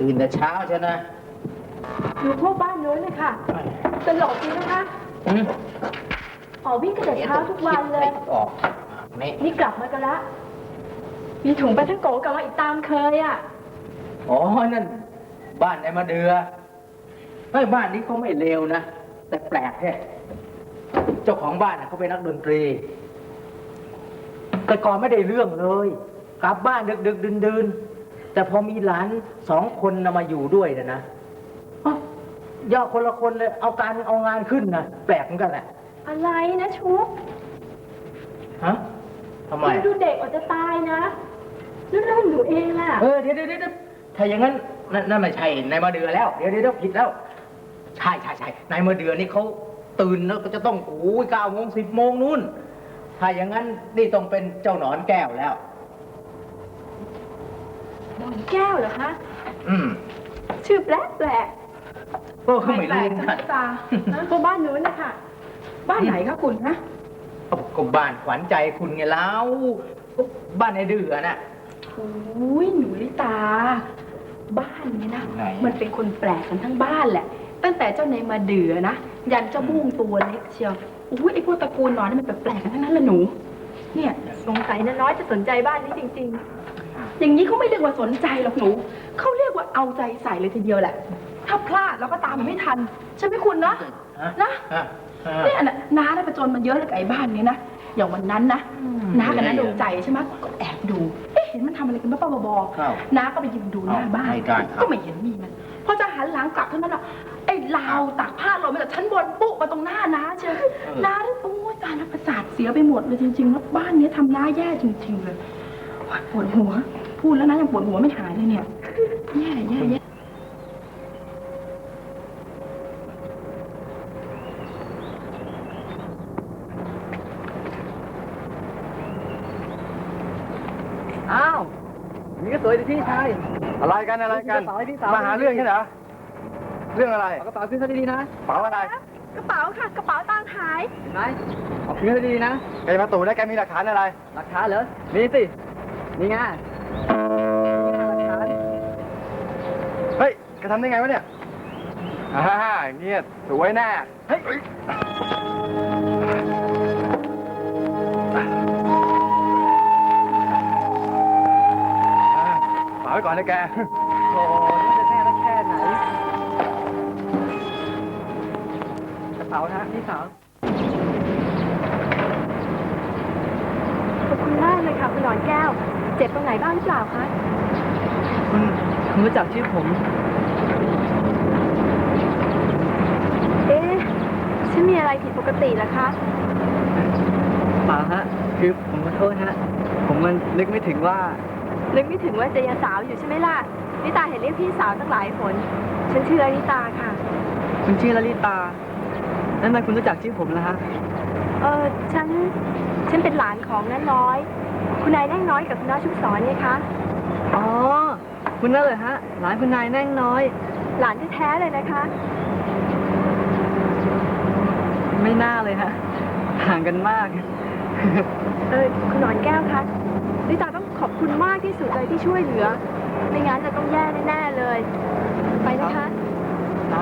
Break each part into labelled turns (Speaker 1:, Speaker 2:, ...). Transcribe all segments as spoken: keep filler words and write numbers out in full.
Speaker 1: ตื่นแต่เช้าใช่ไหม
Speaker 2: อยู่พวกบ้านโน้นเลยค่ะตลกจริงนะคะอ๋อวิ่งกันแต่เช้าทุกวันเลย
Speaker 1: ออก
Speaker 2: นี่กลับมากันละมีถุงปลาท่องโกกลับมาอีกตามเคยอ่ะ
Speaker 1: อ๋อนั่นบ้านในมาเดือเฮ้ยบ้านนี้เขาไม่เลวนะแต่แปลกแค่เจ้าของบ้านเขาเป็นนักดนตรีแต่ก่อนไม่ได้เรื่องเลยกลับบ้านดึกดึกดื่นดื่นแต่พอมีหลานสองคนมาอยู่ด้วยนะนะย่อคนละคนเลยเอาการเอางานขึ้นนะแปลกเหมือนกันแหละ
Speaker 2: อะไรนะชุบ
Speaker 1: ฮะทำไม
Speaker 2: ดูเด็กอาจจะตายนะนั่นเรื่องหนูเองล่ะ
Speaker 1: เออเดี๋ยวเดี๋ยวเดี๋ยวถ้าอย่างนั้นนั่นไม่ใช่นายมาเดือแล้วเดี๋ยวเดี๋ยวผิดแล้วใช่ใช่ใช่นายมาเดือนี่เขาตื่นแล้วก็จะต้องโอ้ยเก้าโมงสิบโมงนู่นถ้าอย่างนั้นนี่ต้องเป็นเจ้าหนอนแก้วแล้ว
Speaker 2: หนอนแก้วเหรอคะ
Speaker 1: อืม
Speaker 2: ชื่อแปลกแปลก
Speaker 1: ก็เขาไม่รู้
Speaker 2: นะตาพวกบ้านนู้นนะคะบ้านไหนคะคุณนะ
Speaker 1: ก็บ้านขวัญใจคุณไงแล้วบ้านในเดือน่ะ
Speaker 2: โอ้ยหนูลิตาบ้านเนี้ยนะมันเป็นคนแปลกกันทั้งบ้านแหละตั้งแต่เจ้านายมาเดือนะยันเจ้าบุ้งตัวเล็กเชียวอุ้ยไอ้พวกตระกูลนอนนี่มันแปลกกันทั้งนั้นละหนูเนี่ยสงสัยนะน้อยจะสนใจบ้านนี้จริงๆอย่างนี้เขาไม่เรียกว่าสนใจหรอกหนูเขาเรียกว่าเอาใจใส่เลยทีเดียวแหละถ้าพลาดเราก็ตามมันไม่ทันใช่ไหมคุณนะนะเนี่ยนะน้าได้ประจนมันเยอะเลยกับไอ้บ้านนี้นะอย่างวันนั้นนะน้ากับน้าดวงใจใช่ไหมก็แอบดูเอ๊ะเห็นมันทำอะไรกันบ้าๆบอๆน้าก็ไปยืนดูหน้าบ้านก็ไม่เห็นมีมันพอจะหันหลังกลับเท่านั้นแหละไอ้ราวตากผ้าหล่นมาจากชั้นบนปุ๊บมาตรงหน้าน้าเชียวน้าได้โอ้ยตาน้าประสาทเสียไปหมดเลยจริงๆแล้วบ้านนี้ทำน้าแย่จริงๆเลยปวดหัวพูดแล้วนะยังปวดหัวไม่หายเลยเนี่ยแย่แย่แย่
Speaker 3: อ้าวนี่ก็สวยดีพี่ชาย
Speaker 4: อะไรกันอะไรกันมาหาเรื่องใช่เหรอเรื่องอะไร
Speaker 3: กระเป๋าขึ้นซะดีๆนะ
Speaker 4: กระเป๋าอะไร
Speaker 2: กระเป๋าค่ะกระเป๋าตังค์หาย
Speaker 3: เห็นไหมเอาขึ้นซะดีๆนะ
Speaker 4: แกมาตู่ได้แกมีหลักฐานอะไร
Speaker 3: หลักฐานเหรอมีสินี่ไงหลักฐาน
Speaker 4: เฮ้ยแกทำได้ไงวะเนี่ยอ่าเงี้ยสวยแน่เฮ้ยฝากไว้ก่อนนะแก
Speaker 3: โอ้นี่จะแน่แล้วแค่ไหนกระเป๋านะพี่สาว
Speaker 2: ขอบคุณมากเลยค่ะคุณหนอนแก้วเจ็บตรงไหนบ้างหรือเปล่าคะ
Speaker 3: คุณคุณรู้จักชื่อผม
Speaker 2: เอ๊ะฉันมีอะไรผิดปกติเหรอคะ
Speaker 3: เปล่าฮะคือผมขอโทษฮะผมมันนึกไม่ถึงว่า
Speaker 2: นึกไม่ถึงว่าจะยังสาวอยู่ใช่ไหมล่ะนิตาเห็นเรียกพี่สาวตั้งหลายคนฉันชื่อนิตาค่ะ
Speaker 3: คุณชื่อลลิตานั่นทำไมคุณรู้จักชื่อผมล่ะฮะ
Speaker 2: เออฉันฉันเป็นหลานของน้าน้อยคุณนายแน่งน้อยกับคุณน้าชุบสอนเนี่ยคะ
Speaker 3: อ๋อคุณนั่นเลยฮะหลานคุณนายแน่งน้อย
Speaker 2: หลานแท้ๆเลยนะคะ
Speaker 3: ไม่น่าเลยฮะห่างกันมาก
Speaker 2: เออคุณหนอนแก้วคะนิตาต้องขอบคุณมากที่สุดเลยที่ช่วยเหลือไม่งั้นจะต้องแย่แน่ๆเลยไปนะคะ
Speaker 3: นะ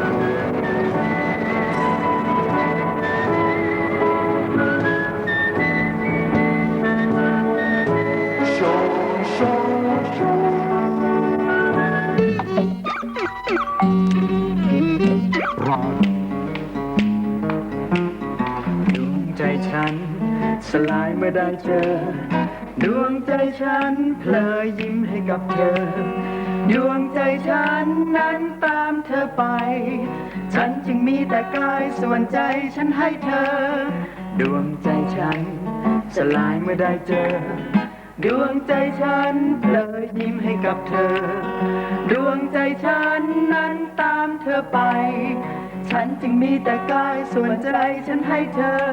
Speaker 5: ดวงใจฉันสลายเมื่อได้เจอดวงใจฉันเพลอยิ้มให้กับเธอดวงใจฉันนั้นตามเธอไปฉันจึงมีแต่กายส่วนใจฉันให้เธอดวงใจฉันสลายเมื่อได้เจอดวงใจฉันเพลอยิ้มให้กับเธอดวงใจฉันนั้นตามเธอไปฉันจึงมีแต่กายส่วนใจฉันให้เธอ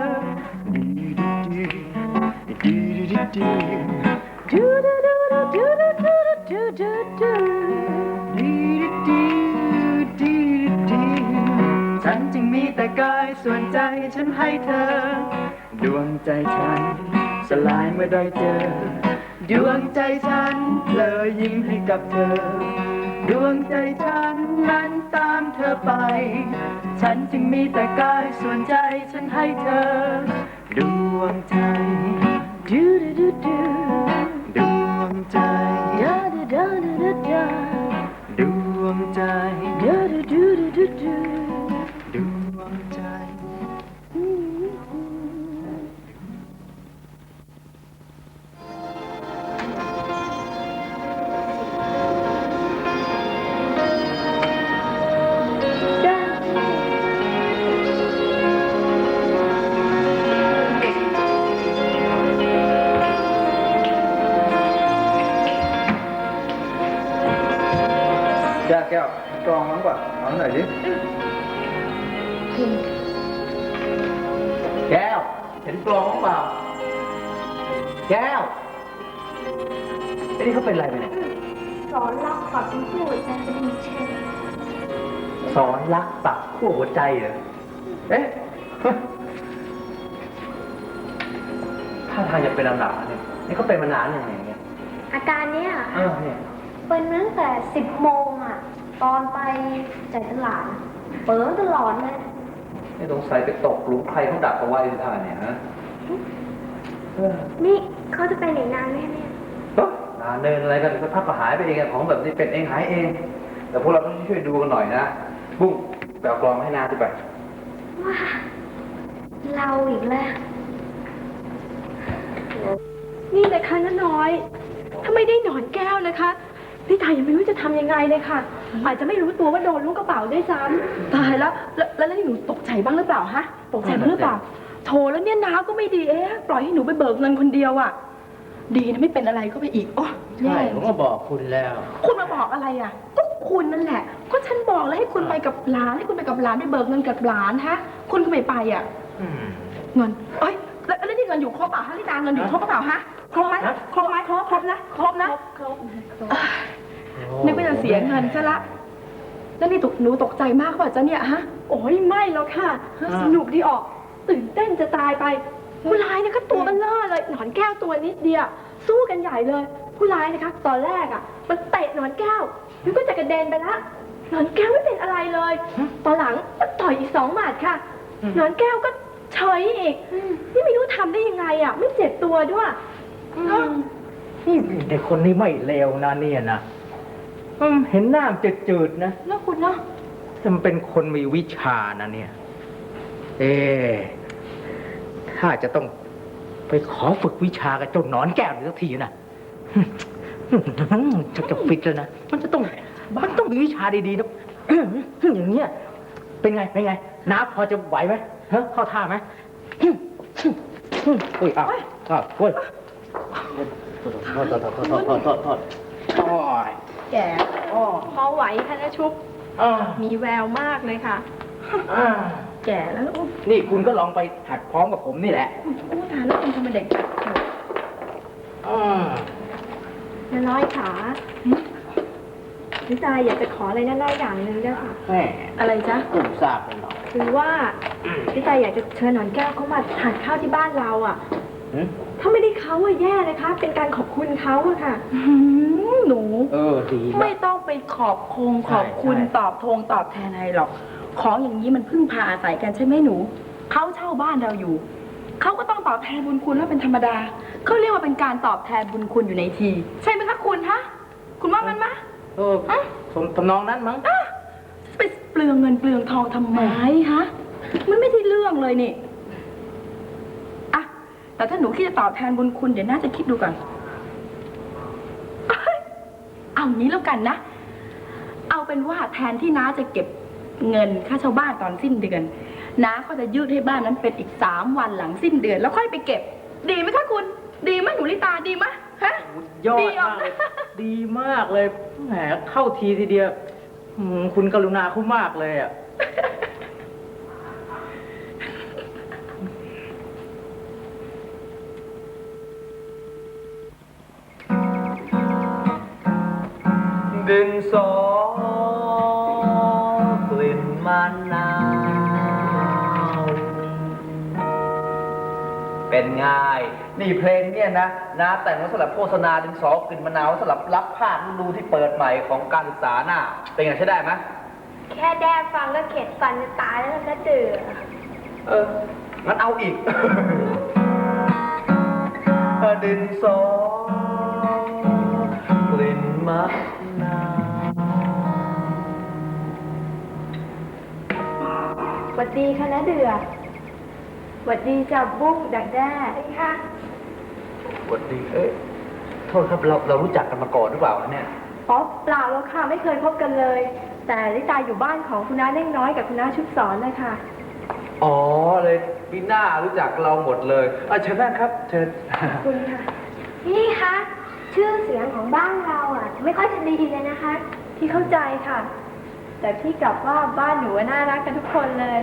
Speaker 5: ฉันจึงมีแต่กายส่วนใจฉันให้เธอดวงใจฉันสลายเมื่อได้เจอดวงใจฉันเพลอยิ้มให้กับเธอดวงใจฉันนั้นตามเธอไป ฉันจึงมีแต่กายส่วนใจฉันให้เธอ ดวงใจดูดูดูดูดวงใจดาดาดาดาดาดวงใจดาดูดูดูดูดวงใจ
Speaker 4: แก้วแก้วกรองมั้งกว่าเอาหน่อยดิ
Speaker 1: แก้ว เห็นกลองเปล่า แก้วไอ้นี่เขาเป็นอะไรไปเนี่ย
Speaker 6: สอนรักปักเป็นคู่หัวใจจะมีเช่น
Speaker 1: สอนรักปักขั้วหัวใจเหรอ เอ๊ะ ถ้าทางจะเป็นลำดับเนี่ยนี่เขาเป็นมานานยังไงเนี่ย
Speaker 6: อาการเนี้ย
Speaker 1: เออเนี่ย
Speaker 6: เป็นมาตั้งแต่สิบโมงอ่ะ ตอนไปจ่ายตลาดเปิดตลอดเลย
Speaker 1: นี่สงสัยไปตกหลุมใครเขาดักเอาไว้ท่าเนี่ยฮะเออ
Speaker 6: นี่เขาจะไปไหนนานไหมเนี่ย
Speaker 1: เฮ้ยนานเดินอะไรกันสักพักก็หายไปเองอะของแบบนี้เป็นเองหายเอง แต่พวกเราต้องช่วยดูกันหน่อยนะ บุ้งไปเอากลองมาให้นาที่ไป
Speaker 6: ว้าเราอีกแล้ว
Speaker 2: นี่เลยค่ะน้าน้อย ถ้าไม่ได้หนอนแก้วนะคะพี่ตายยังไม่รู้จะทำยังไงเลยค่ะ อาจจะไม่รู้ตัวว่าโดนลูกกระเป๋าด้วยซ้ำตายแล้ว แล้วแล้วนี่หนูตกใจบ้างหรือเปล่าฮะ ตกใจบ้างหรือเปล่า โถแล้วเนี่ยน้าก็ไม่ดี เอ๊ะ ปล่อยให้หนูไปเบิกเงินคนเดียวอ่ะ ดีนะไม่เป็นอะไรก็ไปอีก โอ้แย่
Speaker 1: ใช่ผมก็บอกคุณแล้ว
Speaker 2: คุณมาบอกอะไรอ่ะ ก็คุณนั่นแหละ ก็ฉันบอกแล้วให้คุณไปกับหลาน ให้คุณไปกับหลานไปเบิกเงินกับหลานฮะ คุณก็ไม่ไปอ่ะ
Speaker 1: อืม
Speaker 2: เงิน เอ้ย แล้วแล้วนี่เงินอยู่ครบเปล่าฮะลิตาเงินอยู่ครบเปล่าฮะ ครบไหมครบไหมครบครบนะ ครบนะ
Speaker 6: ครบ
Speaker 2: นึกว่าจะเสียเงินซะละ แล้วนี่ตกหนูตกใจมากเปล่าจ๊ะเนี่ยฮะ โอ้ยไม่แล้วค่ะ สนุกดีออก ตื่นเต้นจะตายไป ผู้ร้ายเนี่ยก็ตัวมันล่อเลย หนอนแก้วตัวนิดเดียว สู้กันใหญ่เลย ผู้ร้ายนะคะ ตอนแรกอ่ะ มันเตะหนอนแก้วแล้วก็จะกระเด็นไปละ หนอนแก้วไม่เป็นอะไรเลย ตอนหลังมันต่อยอีกสองหมัดค่ะ หนอนแก้วก็เฉยอีก นี่ไม่รู้ทำได้ยังไงอ่ะ ไม่เจ็บตัวด้วยเนอะ
Speaker 1: นี่เด็กคนนี้ไม่เลวนะเนี่ยนะอืมเห็นหน้ามันจืดๆนะ
Speaker 2: แล้วคุณเนาะ
Speaker 1: แต่มันเป็นคนมีวิชานะเนี่ย เอ๊ะถ้าจะต้องไปขอฝึกวิชากับเจ้าหนอนแก้วหรือสักทีนะจะจะฟิตแล้วนะ มันจะต้อง มันต้องมีวิชาดีๆนะอย่างเงี้ย เป็นไง เป็นไง น้าพอจะไหวไหมฮะเข้าท่าไหมโอ้ยอ้าวอ้าวโอ้ยโทษโทษโทษโทษโทษโทษโทษโทษโอ้ย
Speaker 2: แก่อ๋อพอไหวค่ะนะชุบ
Speaker 1: อ่า
Speaker 2: มีแววมากเลยค่ะ
Speaker 1: อ่า
Speaker 2: แก่แล้วโอ้
Speaker 1: นี่คุณก็ลองไปหัดพร้อมกับผมนี่แหละ
Speaker 2: โอ้ตายแล้วคุณทำไมเด็ก
Speaker 1: อ่า
Speaker 6: น้าน้อยขาพี่ตายอยากจะขออะไรน้าน้อยอย่างหนึ่งด้วยค่ะ
Speaker 1: แม่
Speaker 2: อะไรจ๊ะ
Speaker 1: ผมทราบเป็นหรอก
Speaker 6: คือว่าพี่ตายอยากจะเชิญหนอนแก้วเขามาทานข้าวที่บ้านเราอ่ะ
Speaker 1: หืม
Speaker 6: ถ้าไม่ได้เขาอะแย่นะคะ เป็นการขอบคุณเขาอะค่ะ
Speaker 2: หนู
Speaker 1: เออ ดี
Speaker 2: ไม่
Speaker 1: มาก
Speaker 2: ต้องไปขอบคงขอบคุณ
Speaker 1: ใช่
Speaker 2: ตอบทงตอบแทนอะไรหรอก ของอย่างนี้มันพึ่งพาอาศัยกันใช่ไหมหนู เขาเช่าบ้านเราอยู่ เขาก็ต้องตอบแทนบุญคุณว่าเป็นธรรมดา เขาเรียกว่าเป็นการตอบแทนบุญคุณอยู่ในที ใช่ไหมคะคุณฮะ คุณว่ามันมะ
Speaker 1: เออสมทำนองนั้นมั้ง
Speaker 2: อ่ะไปเปลืองเงินเปลืองทองทำไมฮะ มันไม่ใช่เรื่องเลยนี่อะแต่ถ้าหนูคิดจะตอบแทนบุญคุณเดี๋ยวน่าจะคิดดูก่อนเอ้ยเอางี้แล้วกันนะ เอาเป็นว่าแทนที่น้าจะเก็บเงินค่าเช่าบ้านตอนสิ้นเดือนน้าก็จะยืดให้บ้านนั้นเป็นอีกสามวันหลังสิ้นเดือน แล้วค่อยไปเก็บ ดีไหมคะคุณ ดีไหมหนูลิตาดีไหมฮะ
Speaker 1: ยอด
Speaker 2: ดีอ
Speaker 1: มากเลย ดีมากเลย แหม เข้าทีทีเดียวอืมคุณกรุณาเขามากเลยอ่ะ
Speaker 5: ดินสอกลิ่นมะนาวเป็
Speaker 1: เป็นไงนี่เพลงเนี่ยนะนะแต่งไว้สำหรับโฆษณาดินสอกลิ่นมะนาวสำหรับรับภาคฤดูที่เปิดใหม่ของการศึกษาหน้าเป็นไงใช้ได้ไหม
Speaker 6: แค่แด้ฟังก็เข็ดฟันจะตายแล้วนะเดือ
Speaker 1: เอองั้นเอาอีก ดินสอกลิ่นมะนาว
Speaker 2: หวัดดีค่ะนะเดือหวัดดีจับบุ้งดักแด้ค่ะ
Speaker 1: สวัสดีเอ้ยโทษครับเราเรารู้จักกันมาก่อนหรือเปล่าเนี่ย
Speaker 2: อ๋อเปล่าแล้วค่ะไม่เคยพบกันเลย แต่ลิตาอยู่บ้านของคุณน้าเน่งน้อยกับคุณน้าชุบสอนเลยค่ะ
Speaker 1: อ๋อเลยพี่หน้ารู้จักเราหมดเลยอ่ะเชิญนั่งครับเชิญ
Speaker 2: คุณค่ะ
Speaker 6: พี่คะ ชื่อเสียงของบ้านเราอ่ะ ไม่ค่อยจะดีเลยนะคะ
Speaker 2: พี่เข้าใจค่ะ แต่พี่กลับว่าบ้านหนูน่ารักกันทุกคนเลย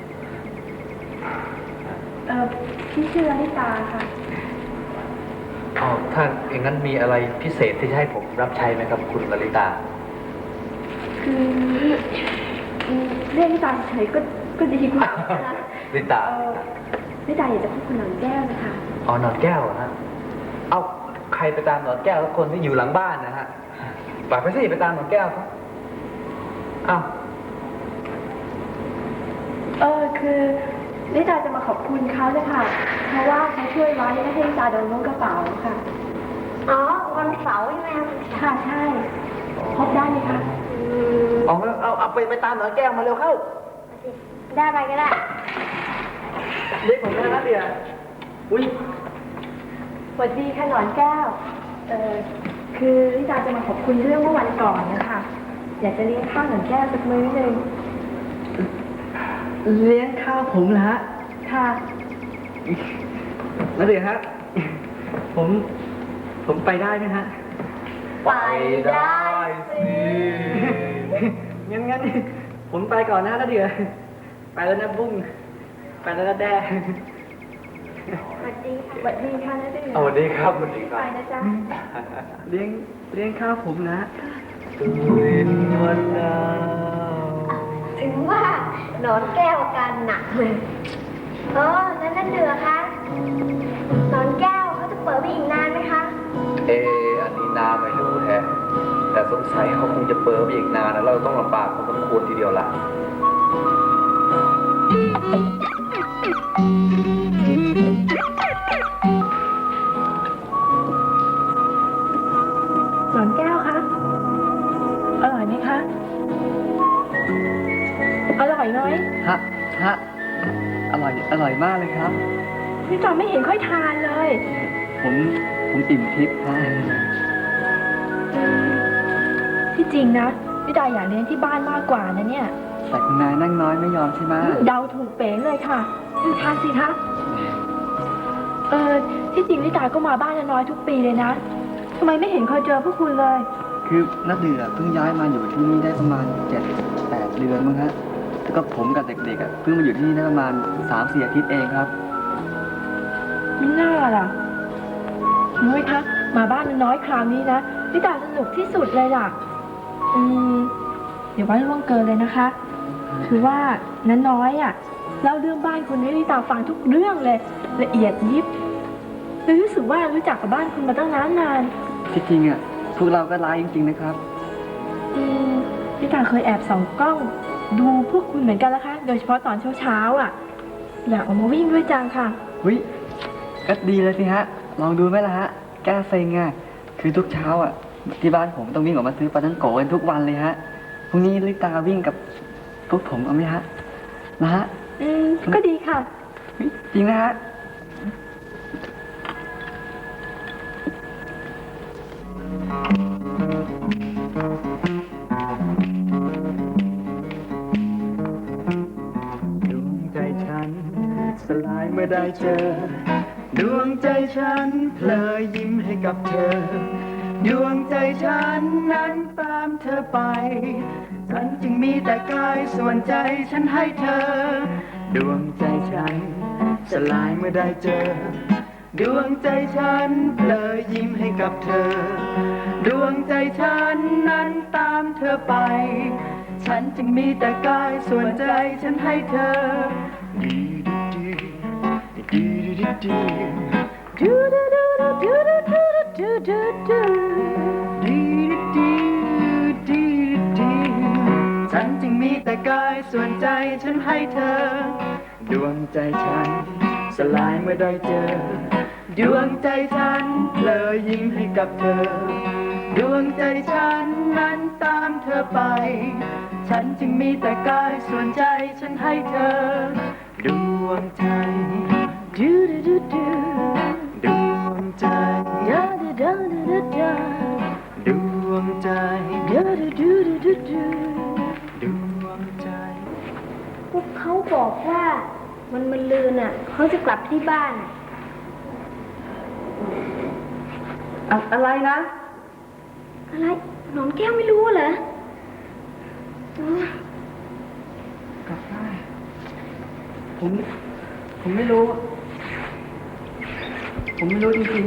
Speaker 2: เออพี่ชื่อลลิตาค่ะ
Speaker 1: อ๋อถ้าอย่างนั้นมีอะไรพิเศษที่จะให้ผมรับใช้ไหมครับคุณลลิตา
Speaker 2: คืออืมเรียกลิตาเฉยก็ก็ดีกว่านะคะ
Speaker 1: ลิตา
Speaker 2: เออลิตาอยากจะพูดคุณหนอนแก้วนะคะ
Speaker 1: อ๋อหนอนแก้วเหรอฮะเอาใครไปตามหนอนแก้วทุกคนที่อยู่หลังบ้านนะฮะป่าไปสิไปตามหนอนแก้วเขาอ้าว
Speaker 2: เออคือลิตาจะมาขอบคุณเขาเลยค่ะ เพราะว่าเขาช่วยไว้ไม่ให้ลิตาโดนล้วงกระเป๋าค่ะ
Speaker 6: อ๋อ วันเสาร์ใช่ไหมคะ
Speaker 2: ค่ะใช่พบได้ไหมคะ
Speaker 6: อืม
Speaker 1: เอาเอาเอาไปไปตามหนอนแก้วมาเร็วเข้า
Speaker 6: ได้ไปก็ได้
Speaker 1: เรียกผมได้นะเดียอุ้ย
Speaker 2: สวัสดีค่ะหนอนแก้ว เออคือลิตาจะมาขอบคุณเรื่องเมื่อวันก่อนนะคะ อยากจะเลี้ยงข้าวหนอนแก้วสักมื้อหนึ่ง
Speaker 3: เลี้ยงข้าวผมนะฮะ
Speaker 2: ค่ะ
Speaker 3: แล้วเดี๋ยวฮะ ผม ผมไปได้ไหมฮะ
Speaker 1: ไปได้สิ
Speaker 3: งั้นงั้นผมไปก่อนนะแล้วเดี๋ยว ไปแล้วนะบุ้ง ไปแล้วนะแด้
Speaker 6: สวัสดีค่ะ
Speaker 2: สวัสดีค่ะนะเดือ
Speaker 1: สวัสดีครับสวัสดีค
Speaker 2: ไป
Speaker 1: รับ
Speaker 2: นะจ๊ะ
Speaker 3: เลี้ยง เลี้ยงข้าวผมนะ
Speaker 1: ลินวันดาว
Speaker 6: ถึงว่าหนอนแก้วอาการหนักเลยเออนั่นนั่นเดือคะหนอนแก้วเขาจะเปิดไปอีกนานไหมคะ
Speaker 1: เอออันนี้นาไม่รู้แฮะแต่สงสัยเขาคงจะเปิดไปอีกนานนะเราต้องลำบากพอสมควรทีเดียวล่ะ
Speaker 2: หนอนแก้วคะ อร่อยไหมคะ อร่อยไหม
Speaker 3: ฮะ ฮะ อร่อย อร่อยมากเลยครับ
Speaker 2: พี่จอมไม่เห็นค่อยทานเลย
Speaker 3: ผม ผมอิ่มทิพย์ฮะ
Speaker 2: ที่จริงนะพี่ดาอยากเลี้ยงที่บ้านมากกว่านะเนี่ย
Speaker 3: แต่คุณนายนั่งน้อยไม่ยอมใช่ไหม
Speaker 2: เดาถูกเป๋งเลยค่ะทานสิคะเออที่จริงลิตาก็มาบ้านน้อยทุกปีเลยนะทำไมไม่เห็นเคยเจอพวกคุณเลย
Speaker 3: คือนักเดือเพิ่งย้ายมาอยู่ที่นี่ได้ประมาณเจ็ดแปดเดือนมั้งฮะ แล้วก็ผมกับเด็กๆอ่ะเพิ่งมาอยู่ที่นี่ได้ประมาณสามสี่อาทิตย์เองครับ
Speaker 2: ไม่น่าล่ะนุ้ยคะมาบ้านน้อยคราวนี้นะลิตาสนุกที่สุดเลยล่ะ อืมเดี๋ยวไว้ล่วงเกินเลยนะคะ คือว่าน้าน้อยอ่ะเล่าเรื่องบ้านคุณให้ลิตาฟังทุกเรื่องเลย ละเอียดยิบเลยรู้สึกว่ารู้จักกับบ้านคุณมาตั้งนานนาน
Speaker 3: ที่จริงอ่ะพวกเราก็ร้ายจริงๆนะครับ
Speaker 2: อืมลิตาเคยแอบส่องกล้อง ดูพวกคุณเหมือนกันนะคะ โดยเฉพาะตอนเช้าๆอ่ะ อยากออกมาวิ่งด้วยจังค่ะ
Speaker 3: วิก็ดีเลยสิฮะ ลองดูไหมล่ะฮะ แก้เซ็งอ่ะ คือทุกเช้าอ่ะ ที่บ้านผมต้องวิ่งออกมาซื้อปลาทั้งโกกันทุกวันเลยฮะ พรุ่งนี้ลิตาวิ่งกับพวกผมเอาไหมฮะ นะฮะ
Speaker 2: อืมก็ดีค่ะ
Speaker 3: เฮ้ยจริงนะฮะ
Speaker 5: ดวงใจฉันสลายเมื่อได้เจอ ดวงใจฉันเพลอยิ้มให้กับเธอ ดวงใจฉันนั้นตามเธอไป ฉันจึงมีแต่กายส่วนใจฉันให้เธอ ดวงใจฉันสลายเมื่อได้เจอ ดวงใจฉันเพลอยิ้มให้กับเธอ ดวงใจฉันนั้นตามเธอไป ฉันจึงมีแต่กายส่วนใจฉันให้เธอ ดีดีดีดีดีดูดูดูดูดูดูดูดูดูดีดีดีดีฉันจึงมีแต่กายส่วนใจฉันให้เธอดวงใจฉันสลายเมื่อได้เจอดวงใจฉันเพลอยิ้มให้กับเธอดวงใจฉันนั้นตามเธอไปฉันจึงมีแต่กายส่วนใจฉันให้เธอดวงใจดูดูดูดูดวงใจดาดาดาดาดาดวงใจดาดูดูดูดูดวงใจ
Speaker 6: พวกเขาบอกว่ามันมันลืนอ่ะเขาจะกลับที่บ้าน
Speaker 3: อะอะไรนะ
Speaker 6: อะไรหนอนแก้วไม่รู้เหรอโอ้ย
Speaker 3: กลับได้ผม ผมไม่รู้ ผมไม่รู้จริง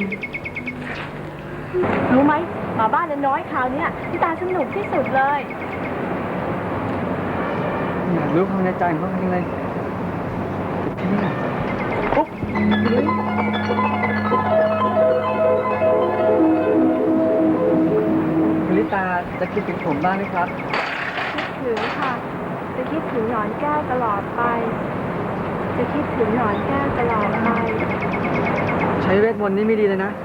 Speaker 2: รู้ไหมหมาบ้านน้อยคราวเนี้ยพี่ตาสนุกที่สุดเลย
Speaker 3: ๆอยากรู้ความในใจของเขาจริงเลยที่นี่ปุ๊บคุณลิตาจะคิดถึงผมบ้างไหมครับ
Speaker 2: คิดถึงค่ะ จะคิดถึงหนอนแก้วตลอดไป จะคิดถึงหนอนแก้วตลอดไป
Speaker 3: ใช้เวทมนต์นี่ไม่ดีเลยนะ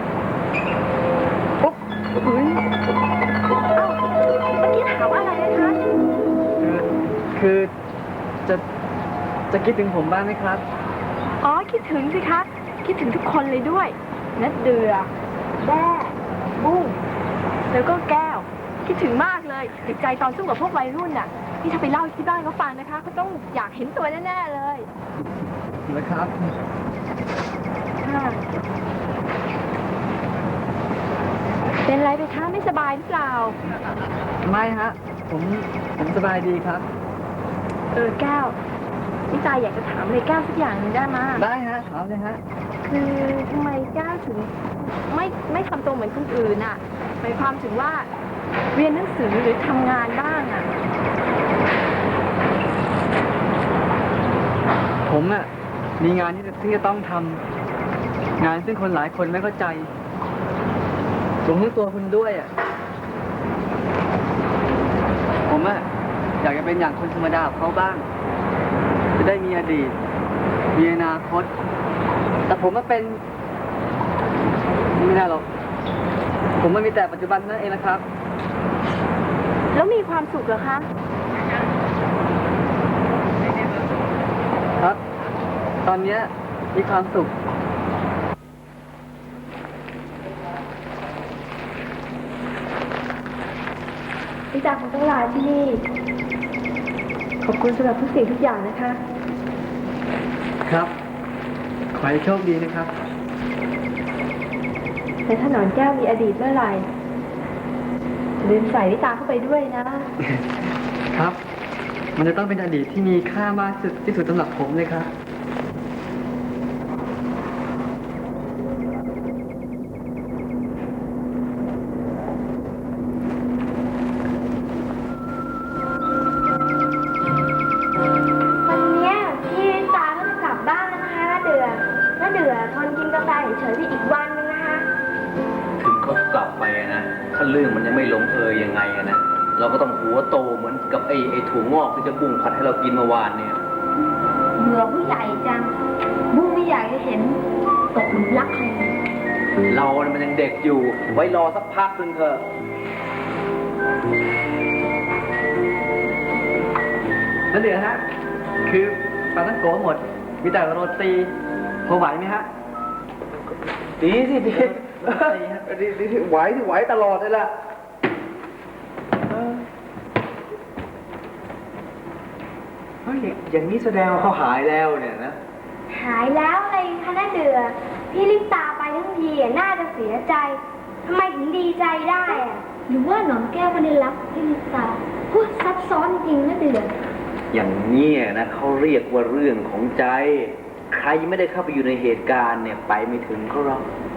Speaker 3: ปุ๊บอุ้ย
Speaker 2: เอ้าเมื่อกี้ถามว่าอะไรนะคะ
Speaker 3: คือคือจะจะคิดถึงผมบ้างไหมครับ
Speaker 2: อ๋อคิดถึงสิคะ คิดถึงทุกคนเลยด้วยนัดเดือแด้บุ้งแล้วก็แก้ว คิดถึงมากเลยติดใจตอนสู้กับพวกวัยรุ่นน่ะนี่ถ้าไปเล่าที่บ้านเขาฟังนะคะเขาต้องอยากเห็นตัวแน่ๆเลย
Speaker 3: นะครับ
Speaker 2: ค่ะเป็นไรไปคะไม่สบายหรือเปล่า
Speaker 3: ไม่ฮะ ผมผมสบายดีครับ
Speaker 2: เออแก้วพี่ตายอยากจะถามอะไรแก้วสักอย่างหนึงได้มา
Speaker 3: ได้ฮะถามเลยฮะ
Speaker 2: คือทำไมแก้วถึงไม่ไม่ทำตัวเหมือนคนอื่นน่ะหมายความถึงว่าเรียนหนังสือหรือทำงานบ้างอ่ะ
Speaker 3: ผมอะมีงานที่ที่จะต้องทำงานซึ่งคนหลายคนไม่เข้าใจรวมทั้งตัวคุณด้วยอะผมอะอยากจะเป็นอย่างคนธรรมดาของเขาบ้าง จะได้มีอดีต มีอนาคต แต่ผมมาเป็นไม่ได้หรอก ผมมันมีแต่ปัจจุบันนั่นเองนะครับ
Speaker 2: แล้วมีความสุขเหรอคะ
Speaker 3: ครับ ตอนเนี้ยมีความสุข
Speaker 6: พี่ตาคงต้องลาที่นี่ ขอบคุณสำหรับทุกสิ่งทุกอย่างนะคะ
Speaker 3: ครับ ขอให้โชคดีนะครับ
Speaker 6: แต่ถ้าหนอนแก้วมีอดีตเมื่อไหร่ลืมใส่ลิตาเข้าไปด้วยนะ
Speaker 3: ครับ มันจะต้องเป็นอดีตที่มีค่ามากที่สุดที่สุดสำหรับผมเลยครับ
Speaker 6: วันเนี้ยพี่ลิตาก็จะกลับบ้านแล้วนะคะน้าเดือน้าเดือทนกินกาแฟเฉยๆที่อีกวันนึงนะคะ
Speaker 1: ถึงเขากลับไปอะนะ ถ้าเรื่องมันยังไม่ลงเอยยังไงอะนะ เราก็ต้องหัวโตเหมือนกับไอ้ไอ้ถั่วงอกที่เจะบุ้งผัดให้เรากินเมื่อวานเนี่ย
Speaker 6: เบื่อผู้ใหญ่จัง บุ้งไม่อยากจะเห็นตกหลุมรักใครเลย
Speaker 1: เราเนี่ยมันยังเด็กอยู่ ไว้รอสักพักหนึ่งเถอะ
Speaker 3: แล้วเดี๋ยวฮะ คือปลาตั้งโกหมด มีแต่โรตีพอไหวไหมฮะ
Speaker 1: ดีสิดี
Speaker 3: ดีครับ
Speaker 1: ดีดีไหวที่ไหวตลอดเลยล่ะเฮ้ยอย่างนี้แสดงว่าเขาหายแล้วเนี่ยนะ
Speaker 6: หายแล้วอะไรคะน้าเดือพี่ลิตาไปทั้งทีอะน่าจะเสียใจทำไมถึงดีใจได้อะหรือว่าหนอนแก้วไม่ได้รักพี่ลิตาพูดซับซ้อนจริงนะเดือ
Speaker 1: อย่างเนี้ยนะเขาเรียกว่าเรื่องของใจ ใครไม่ได้เข้าไปอยู่ในเหตุการณ์เนี่ยไปไม่ถึงเขาหรอก